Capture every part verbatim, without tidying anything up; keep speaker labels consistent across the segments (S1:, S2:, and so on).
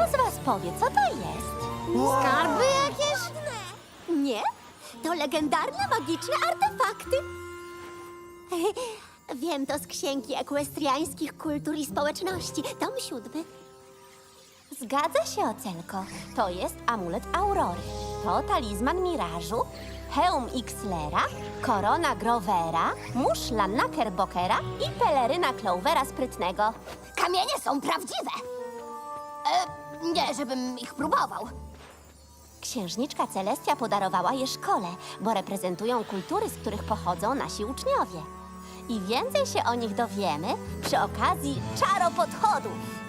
S1: z was powie, co to jest?
S2: Skarby jakieś?
S3: Nie, to legendarne, magiczne artefakty. Wiem to z księgi ekwestriańskich kultur i społeczności. Tom siódmy.
S1: Zgadza się, Ocenko. To jest amulet Aurory. To talizman Mirażu, hełm Xlera, korona Grovera, muszla Knickerbockera i peleryna Clovera Sprytnego.
S3: Kamienie są prawdziwe. E, nie, żebym ich próbował.
S1: Księżniczka Celestia podarowała je szkole, bo reprezentują kultury, z których pochodzą nasi uczniowie. I więcej się o nich dowiemy przy okazji czaropodchodów.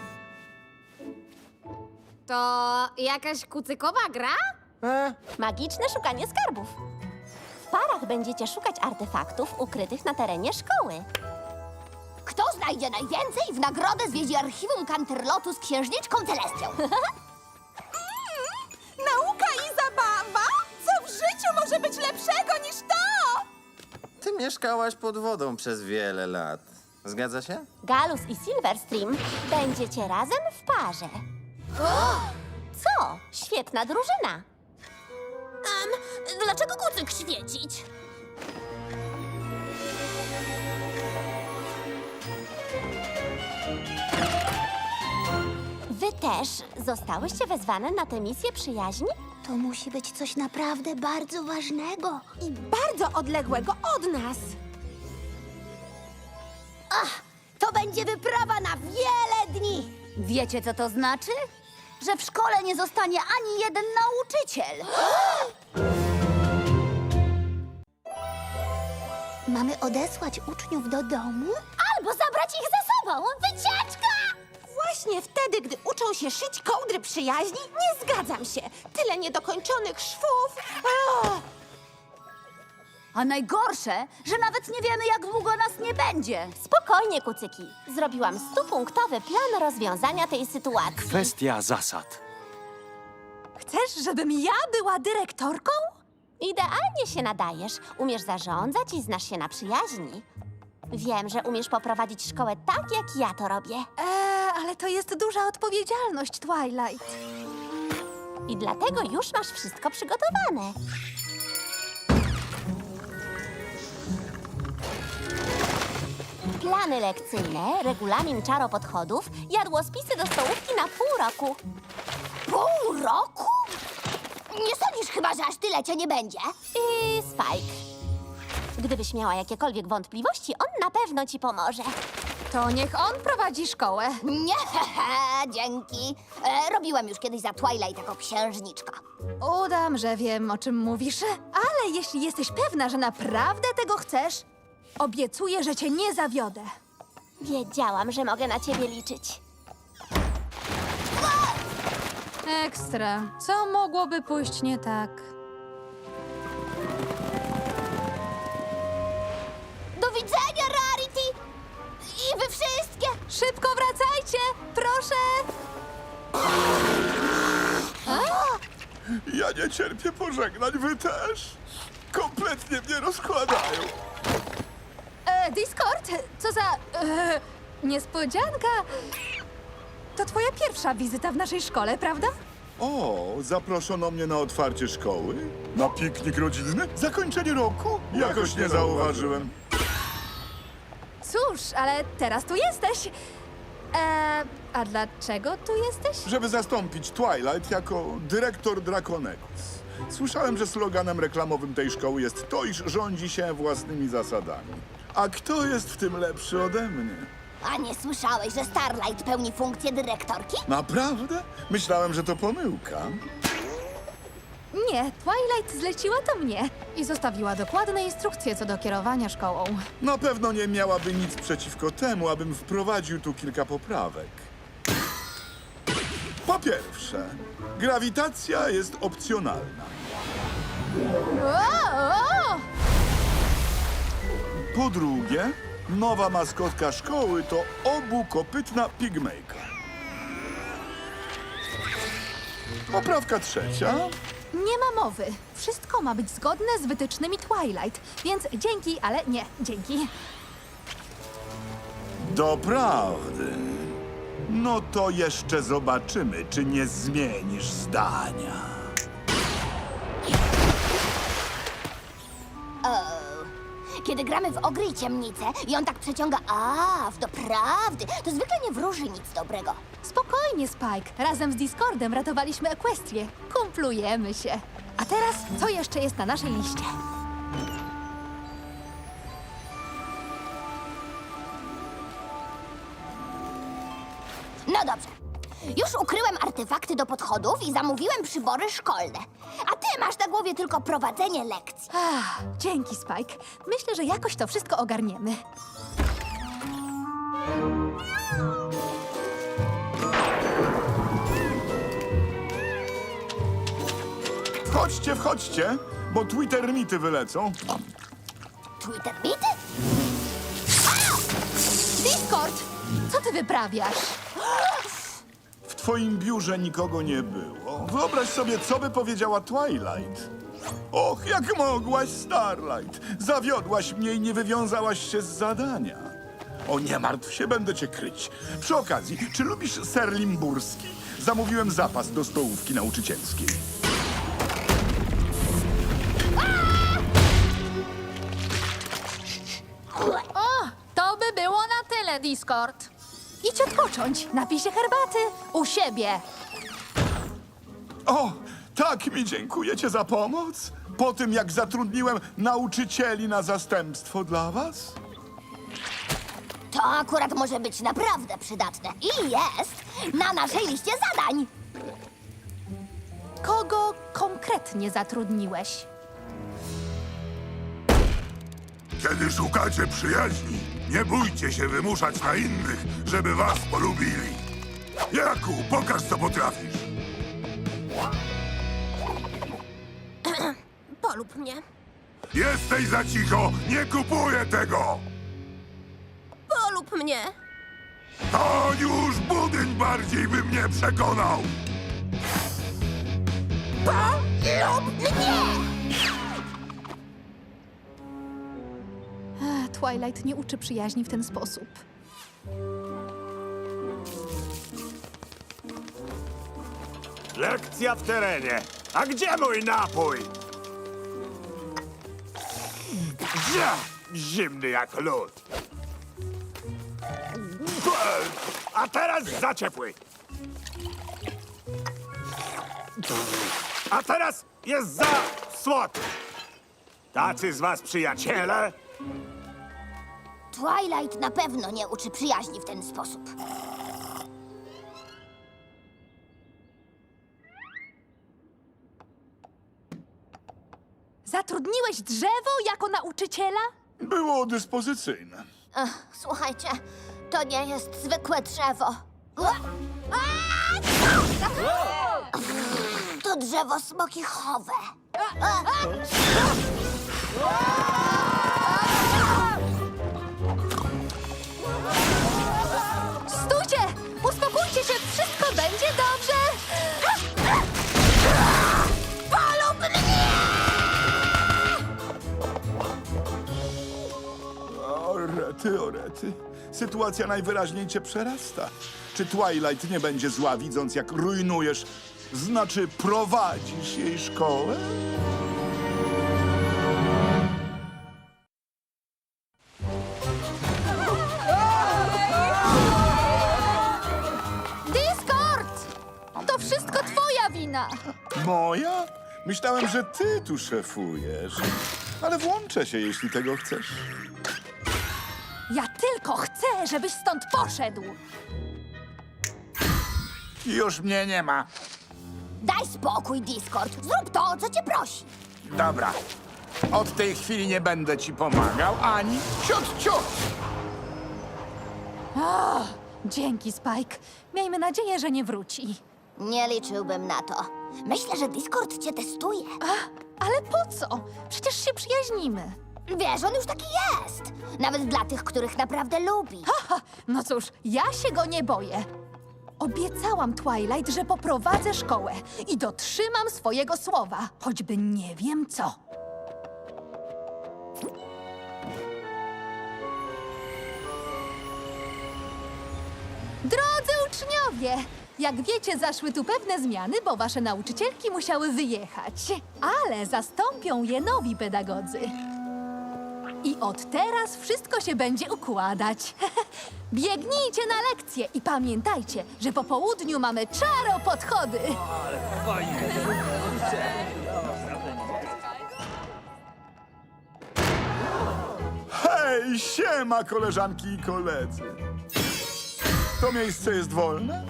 S2: To jakaś kucykowa gra?
S4: E,
S1: Magiczne szukanie skarbów. W parach będziecie szukać artefaktów ukrytych na terenie szkoły.
S3: Kto znajdzie najwięcej, w nagrodę zwiedzi archiwum Canterlotu z księżniczką Celestią.
S5: Nauka i zabawa? Co w życiu może być lepszego niż to?
S4: ty mieszkałaś pod wodą przez wiele lat. Zgadza się?
S1: Galus i Silverstream będziecie razem w parze. Co? Świetna drużyna.
S3: Um, dlaczego kucyk świecić?
S1: Wy też zostałyście wezwane na tę misję przyjaźni?
S3: To musi być coś naprawdę bardzo ważnego.
S5: I bardzo odległego od nas.
S3: Ach, to będzie wyprawa na wiele dni.
S2: Wiecie, co to znaczy? Że w szkole nie zostanie ani jeden nauczyciel.
S3: Mamy odesłać uczniów do domu? Albo zabrać ich ze sobą. Wycieczka!
S5: Właśnie wtedy, gdy uczą się szyć kołdry przyjaźni, nie zgadzam się. Tyle niedokończonych szwów. Ach.
S2: A najgorsze, że nawet nie wiemy, jak długo nas nie będzie.
S1: Spokojnie, kucyki. Zrobiłam stupunktowy plan rozwiązania tej sytuacji.
S6: Kwestia zasad.
S5: Chcesz, żebym ja była dyrektorką?
S1: Idealnie się nadajesz. Umiesz zarządzać i znasz się na przyjaźni. Wiem, że umiesz poprowadzić szkołę tak, jak ja to robię.
S5: Eee, ale to jest duża odpowiedzialność, Twilight.
S1: I dlatego już masz wszystko przygotowane. Plany lekcyjne, regulamin czaropodchodów, jadłospisy do stołówki na pół roku.
S3: Pół roku? Nie sądzisz chyba, że aż tyle cię nie będzie?
S1: I Spike. Gdybyś miała jakiekolwiek wątpliwości, on na pewno ci pomoże.
S5: To niech on prowadzi szkołę.
S3: Nie, hehe, dzięki. E, robiłem już kiedyś za Twilight jako księżniczka.
S5: Udam, że wiem, o czym mówisz, ale jeśli jesteś pewna, że naprawdę tego chcesz, obiecuję, że cię nie zawiodę.
S1: Wiedziałam, że mogę na ciebie liczyć.
S7: Ekstra. Co mogłoby pójść nie tak?
S3: Do widzenia, Rarity! I wy wszystkie!
S5: Szybko wracajcie! Proszę!
S8: Ja nie cierpię pożegnań, wy też. Kompletnie mnie rozkładają.
S5: E, Discord, co za... E, niespodzianka. To twoja pierwsza wizyta w naszej szkole, prawda?
S8: O, zaproszono mnie na otwarcie szkoły? Na piknik rodzinny? Zakończenie roku? Jakoś nie zauważyłem.
S5: Cóż, ale teraz tu jesteś. E, a dlaczego tu jesteś?
S8: Żeby zastąpić Twilight jako dyrektor Draconegus. Słyszałem, że sloganem reklamowym tej szkoły jest to, iż rządzi się własnymi zasadami. A kto jest w tym lepszy ode mnie?
S3: A nie słyszałeś, że Starlight pełni funkcję dyrektorki?
S8: Naprawdę? Myślałem, że to pomyłka.
S5: Nie, Twilight zleciła to mnie.
S7: I zostawiła dokładne instrukcje co do kierowania szkołą.
S8: Na pewno nie miałaby nic przeciwko temu, abym wprowadził tu kilka poprawek. Po pierwsze, grawitacja jest opcjonalna.
S5: O, o!
S8: Po drugie, nowa maskotka szkoły to obukopytna pigmejka. Poprawka trzecia.
S5: Nie ma mowy. Wszystko ma być zgodne z wytycznymi Twilight, więc dzięki, ale nie dzięki.
S8: Doprawdy. No to jeszcze zobaczymy, czy nie zmienisz zdania.
S3: Kiedy gramy w ogry i ciemnicę i on tak przeciąga a w doprawdy, to zwykle nie wróży nic dobrego.
S5: Spokojnie, Spike. Razem z Discordem ratowaliśmy Equestrię. Kumplujemy się. A teraz, co jeszcze jest na naszej liście?
S3: No dobrze. Już ukryłem artefakty do podchodów i zamówiłem przybory szkolne. A ty masz na głowie tylko prowadzenie lekcji.
S5: Ach, dzięki, Spike. Myślę, że jakoś to wszystko ogarniemy.
S8: Wchodźcie, wchodźcie, bo Twittermity wylecą.
S3: Twitter bity?
S5: Discord! Co ty wyprawiasz?
S8: W twoim biurze nikogo nie było. Wyobraź sobie, co by powiedziała Twilight. Och, jak mogłaś, Starlight. Zawiodłaś mnie i nie wywiązałaś się z zadania. O, nie martw się, będę cię kryć. Przy okazji, czy lubisz ser limburski? Zamówiłem zapas do stołówki nauczycielskiej.
S7: To by było na tyle, Discord.
S5: Idź odpocząć. Napij się herbaty. U siebie.
S8: O, tak mi dziękujecie za pomoc. Po tym, jak zatrudniłem nauczycieli na zastępstwo dla was?
S3: To akurat może być naprawdę przydatne. I jest na naszej liście zadań.
S5: Kogo konkretnie zatrudniłeś?
S6: Kiedy szukacie przyjaźni, nie bójcie się wymuszać na innych, żeby was polubili. Jaku, pokaż co potrafisz.
S3: Polub mnie.
S6: Jesteś za cicho, nie kupuję tego!
S3: Polub mnie.
S6: To już budyń bardziej by mnie przekonał!
S3: Polub mnie!
S5: Ech, Twilight nie uczy przyjaźni w ten sposób.
S9: Lekcja w terenie. A gdzie mój napój? Ja, zimny jak lód. A teraz za ciepły. A teraz jest za słodki. Tacy z was przyjaciele?
S3: Twilight na pewno nie uczy przyjaźni w ten sposób.
S5: Zatrudniłeś drzewo jako nauczyciela?
S8: Było dyspozycyjne.
S3: Ach, słuchajcie, to nie jest zwykłe drzewo. To drzewo smokichowe.
S5: Stójcie! Uspokójcie się! Wszystko będzie dobrze!
S3: Polub mnie!
S8: O, rety, o rety. Sytuacja najwyraźniej cię przerasta. Czy Twilight nie będzie zła, widząc jak rujnujesz, znaczy prowadzisz jej szkołę?
S5: Discord! To wszystko twoja wina!
S8: Moja? Myślałem, że ty tu szefujesz. Ale włączę się, jeśli tego chcesz.
S5: Ja tylko chcę, żebyś stąd poszedł!
S4: Już mnie nie ma.
S3: Daj spokój, Discord. Zrób to, o co cię prosi.
S4: Dobra. Od tej chwili nie będę ci pomagał, ani ciut, ciut.
S5: Dzięki, Spike. Miejmy nadzieję, że nie wróci.
S3: Nie liczyłbym na to. Myślę, że Discord cię testuje.
S5: Ale po co? Przecież się przyjaźnimy.
S3: Wiesz, on już taki jest. Nawet dla tych, których naprawdę lubi.
S5: Ha, no cóż, ja się go nie boję. Obiecałam Twilight, że poprowadzę szkołę i dotrzymam swojego słowa, choćby nie wiem co. Drodzy Uczniowie, jak wiecie, zaszły tu pewne zmiany, bo wasze nauczycielki musiały wyjechać. Ale zastąpią je nowi pedagodzy. I od teraz wszystko się będzie układać. Biegnijcie na lekcje i pamiętajcie, że po południu mamy czaropodchody.
S8: Hej, siema, koleżanki i koledzy. To miejsce jest wolne?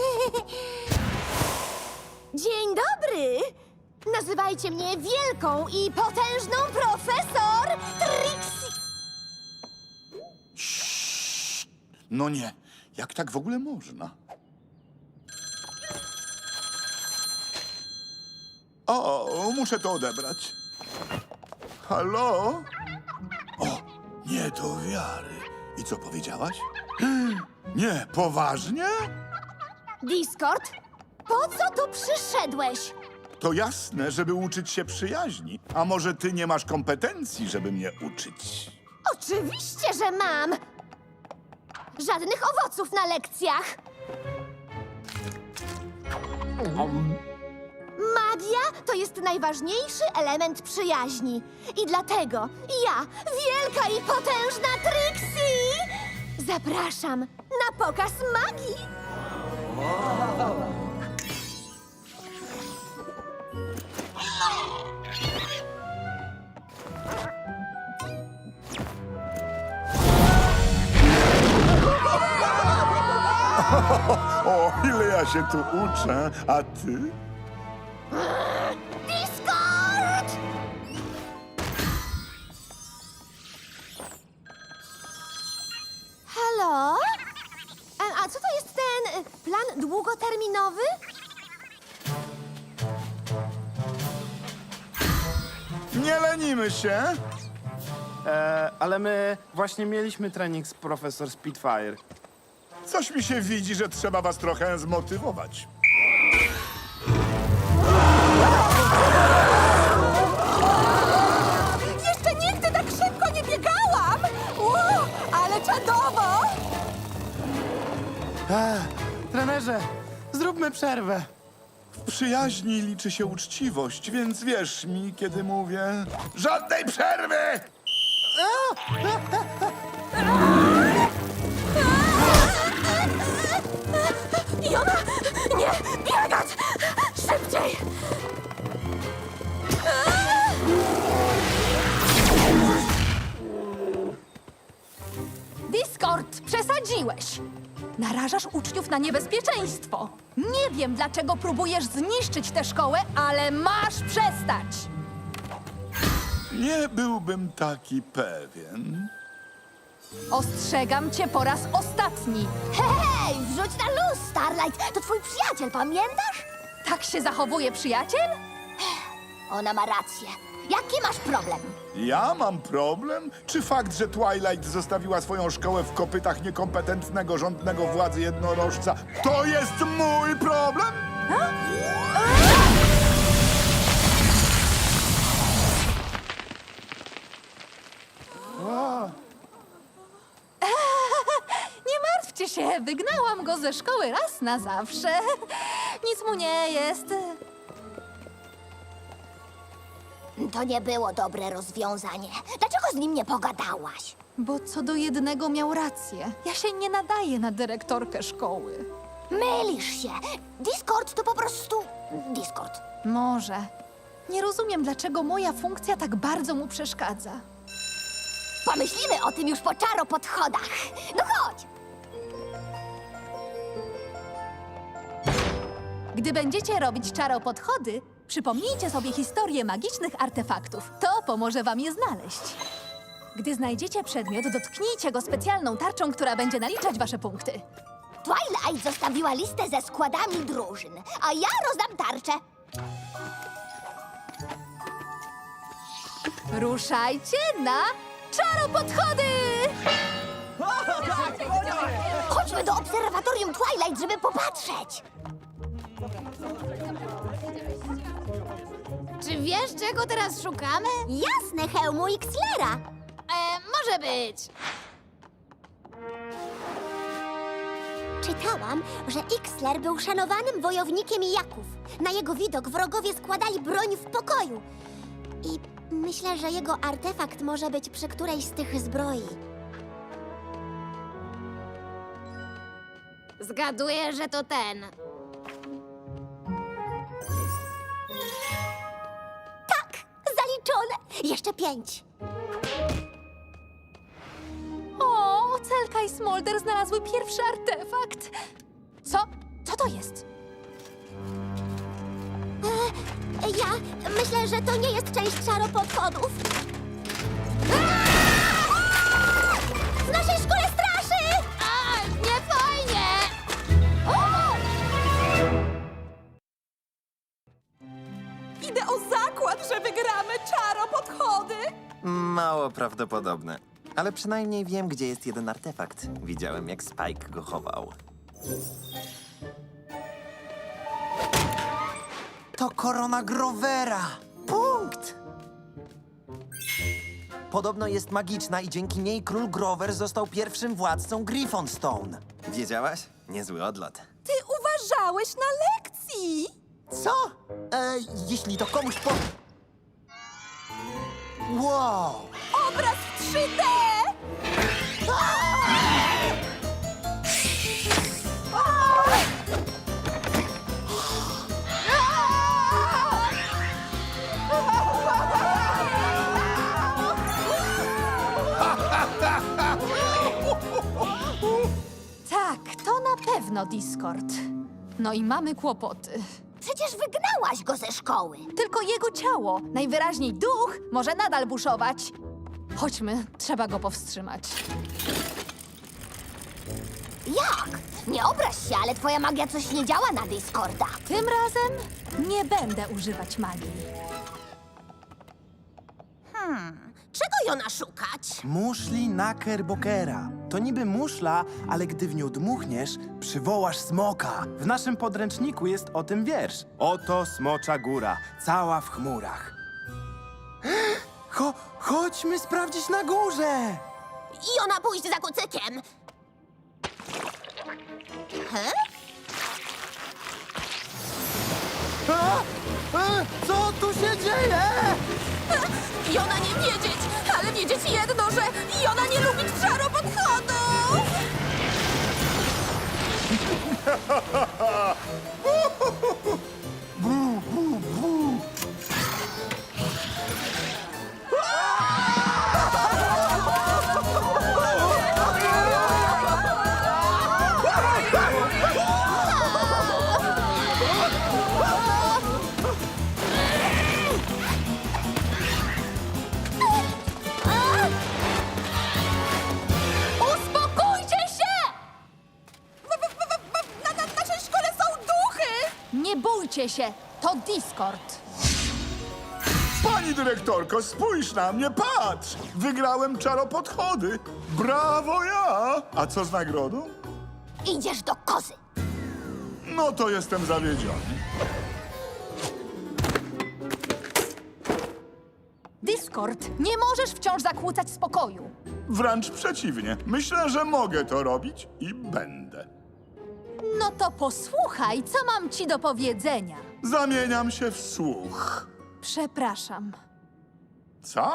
S3: Dzień dobry! Nazywajcie mnie wielką i potężną profesor Trixie.
S8: No nie, jak tak w ogóle można? O, muszę to odebrać. Halo? O, nie do wiary. I co powiedziałaś? Nie, poważnie?
S3: Discord, po co tu przyszedłeś?
S8: To jasne, żeby uczyć się przyjaźni. A może ty nie masz kompetencji, żeby mnie uczyć?
S3: Oczywiście, że mam! Żadnych owoców na lekcjach! Magia to jest najważniejszy element przyjaźni. I dlatego ja, wielka i potężna Trixie, zapraszam na pokaz magii!
S8: O, ile ja się tu uczę, a ty?
S3: Discord! Halo? E, A co to jest ten e, plan długoterminowy?
S8: Nie lenimy się.
S10: E, ale my właśnie mieliśmy trening z profesor Spitfire.
S8: Coś mi się widzi, że trzeba was trochę zmotywować.
S5: Jeszcze nigdy tak szybko nie biegałam! Ło, ale czadowo!
S10: Trenerze, zróbmy przerwę.
S8: W przyjaźni liczy się uczciwość, więc wierz mi, kiedy mówię... Żadnej przerwy!
S3: Jona! Nie! Biegać! Szybciej!
S5: Discord, przesadziłeś! Narażasz uczniów na niebezpieczeństwo. Nie wiem, dlaczego próbujesz zniszczyć tę szkołę, ale masz przestać!
S8: Nie byłbym taki pewien.
S5: Ostrzegam cię po raz ostatni.
S3: Hej, wrzuć na luz, Starlight! To twój przyjaciel, pamiętasz?
S5: Tak się zachowuje przyjaciel?
S3: Ona ma rację. Jaki masz problem?
S8: Ja mam problem? Czy fakt, że Twilight zostawiła swoją szkołę w kopytach niekompetentnego rządnego władzy jednorożca, to jest mój problem?
S5: Nie martwcie się, wygnałam go ze szkoły raz na zawsze. Nic mu nie jest.
S3: To nie było dobre rozwiązanie. Dlaczego z nim nie pogadałaś?
S5: Bo co do jednego miał rację. Ja się nie nadaję na dyrektorkę szkoły.
S3: Mylisz się. Discord to po prostu Discord.
S5: Może. Nie rozumiem, dlaczego moja funkcja tak bardzo mu przeszkadza.
S3: Pomyślimy o tym już po czaropodchodach. No chodź!
S5: Gdy będziecie robić czaropodchody, przypomnijcie sobie historię magicznych artefaktów. To pomoże wam je znaleźć. Gdy znajdziecie przedmiot, dotknijcie go specjalną tarczą, która będzie naliczać wasze punkty.
S3: Twilight zostawiła listę ze składami drużyn, a ja rozdam tarczę.
S5: Ruszajcie na czaropodchody!
S3: Chodźmy do obserwatorium Twilight, żeby popatrzeć.
S2: Czy wiesz, czego teraz szukamy?
S3: Jasne, hełmu Xlera.
S2: E, może być.
S3: Czytałam, że Ixler był szanowanym wojownikiem Jaków. Na jego widok wrogowie składali broń w pokoju. I myślę, że jego artefakt może być przy którejś z tych zbroi.
S1: Zgaduję, że to ten.
S3: Tak, zaliczone. Jeszcze pięć.
S5: O, Celka i Smolder znalazły pierwszy artefakt. Co? Co to jest?
S3: E, ja myślę, że to nie jest część czaropodchodów. W naszej szkole straszy!
S1: A, nie fajnie!
S2: Idę o zakład, że wygramy czaropodchody!
S4: Mało prawdopodobne. Ale przynajmniej wiem, gdzie jest jeden artefakt. Widziałem, jak Spike go chował. To korona Grovera! Punkt! Podobno jest magiczna i dzięki niej król Grover został pierwszym władcą Griffonstone. Wiedziałaś? Niezły odlot.
S2: Ty uważałeś na lekcji!
S4: Co? E, jeśli to komuś po... Wow!
S2: Obraz w trzy D!
S5: Tak, to na pewno Discord. No i mamy kłopoty.
S3: Przecież wygnałaś go ze szkoły.
S5: Tylko jego ciało, najwyraźniej duch, może nadal buszować. Chodźmy, trzeba go powstrzymać.
S3: Jak? Nie obraź się, ale twoja magia coś nie działa na Discorda.
S5: Tym razem nie będę używać magii.
S3: Czego Jona szukać?
S10: Muszli Knickerbokera. To niby muszla, ale gdy w nią dmuchniesz, przywołasz smoka. W naszym podręczniku jest o tym wiersz. Oto smocza góra, cała w chmurach. Cho chodźmy sprawdzić na górze!
S3: Jona pójść za kucykiem. He?
S10: A? A? Co tu się dzieje?
S2: Jona nie wiedzieć, ale wiedzieć jedno, że Jona nie lubi czaropodchodów!
S5: Uspokójcie się!
S2: Na, na naszej szkole są duchy!
S5: Nie bójcie się, to Discord.
S8: Pani dyrektorko, spójrz na mnie, patrz! Wygrałem czaropodchody. Brawo ja! A co z nagrodą?
S3: Idziesz do kozy.
S8: No to jestem zawiedziony.
S5: Discord, nie możesz wciąż zakłócać spokoju.
S8: Wręcz przeciwnie. Myślę, że mogę to robić i będę.
S5: No to posłuchaj, co mam ci do powiedzenia.
S8: Zamieniam się w słuch.
S5: Przepraszam.
S8: Co?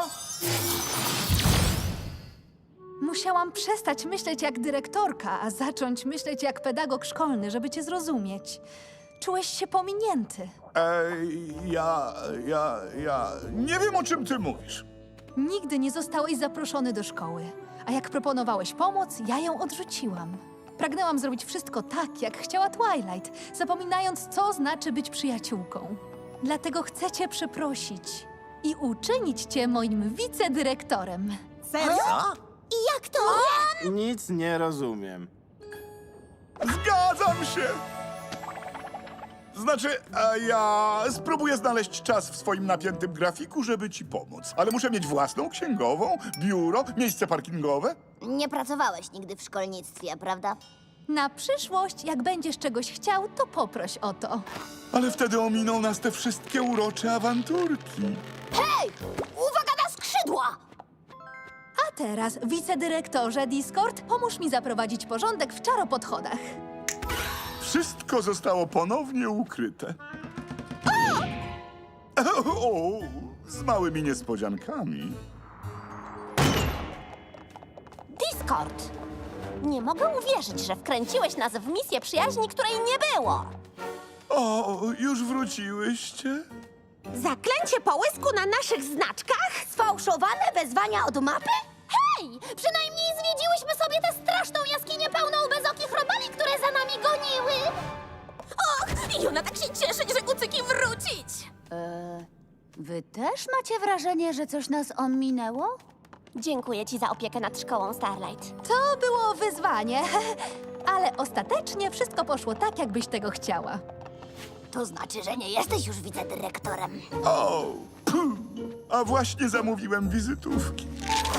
S5: Musiałam przestać myśleć jak dyrektorka, a zacząć myśleć jak pedagog szkolny, żeby cię zrozumieć. Czułeś się pominięty.
S8: Ej, ja, ja, ja... Nie wiem, o czym ty mówisz.
S5: Nigdy nie zostałeś zaproszony do szkoły. A jak proponowałeś pomoc, ja ją odrzuciłam. Pragnęłam zrobić wszystko tak, jak chciała Twilight, zapominając, co znaczy być przyjaciółką. Dlatego chcę cię przeprosić i uczynić cię moim wicedyrektorem.
S4: Co?
S3: I jak to?
S10: Nic nie rozumiem.
S8: Zgadzam się! Znaczy, a ja spróbuję znaleźć czas w swoim napiętym grafiku, żeby ci pomóc. Ale muszę mieć własną księgową, biuro, miejsce parkingowe.
S3: Nie pracowałeś nigdy w szkolnictwie, prawda?
S5: Na przyszłość, jak będziesz czegoś chciał, to poproś o to.
S8: Ale wtedy ominą nas te wszystkie urocze awanturki.
S3: Hej! Uwaga na skrzydła!
S5: A teraz, wicedyrektorze Discord, pomóż mi zaprowadzić porządek w czaropodchodach.
S8: Wszystko zostało ponownie ukryte. O, o, z małymi niespodziankami.
S1: Discord! Nie mogę uwierzyć, że wkręciłeś nas w misję przyjaźni, której nie było.
S8: O, już wróciłyście?
S3: Zaklęcie połysku na naszych znaczkach? Sfałszowane wezwania od mapy? Hej! Przynajmniej zwiedziłyśmy sobie tę straszną jaskinię pełną bezokich robali, które za nami goniły!
S2: Och, Jona tak się cieszy, że kucyki wrócić!
S7: Wy też macie wrażenie, że coś nas ominęło?
S1: Dziękuję ci za opiekę nad szkołą Starlight.
S5: To było wyzwanie, ale ostatecznie wszystko poszło tak, jakbyś tego chciała.
S3: To znaczy, że nie jesteś już wicedyrektorem.
S8: O, puh, a właśnie zamówiłem wizytówki.